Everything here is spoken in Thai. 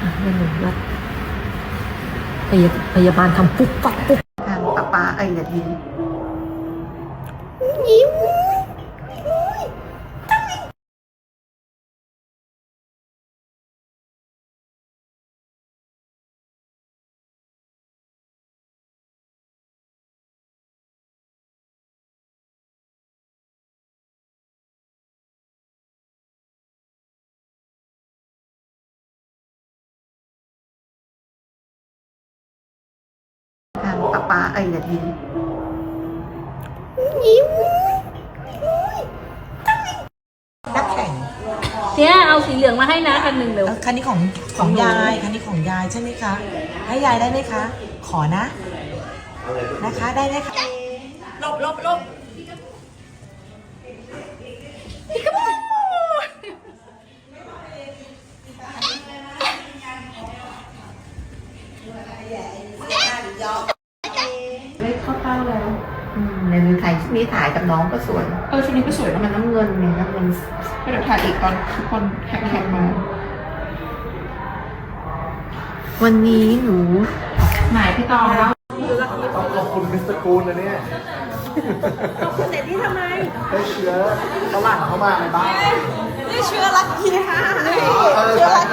ไม่หนูว่าพยาบาลทำปุ๊บปั๊บปุ๊บทางป้าไอ้อย่ายิ้มยิ้มทางป้าไอ้อย่ายิ้มยิ้มนักแข่งเนี่ยเอาสีเหลืองมาให้นะคันหนึ่งเร็วคันนี้ของยายคันนี้ของยายใช่ไหมคะให้ยายได้ไหมคะขอนะนะคะได้ไหมคะลบไม่เข้าเป้าแล้วในมือถ่ายชุดนี้ถ่ายกับน้องก็สวยชุดนี้ก็สวยแล้วมันน้ำเงินเนี่ยน้ำเงินเดี๋ยวถ่ายอีกตอนทุกคนแข่งมาวันนี้หนูหมายพี่ตองแล้วต้องขอบคุณมิสเตอร์กูนนะเนี่ยขอบคุณเสร็จที่ทำไมได้เชื้อฝรั่งเข้ามาในบ้านได้เชื้อลัคกี้ค่ะเชื้อลัค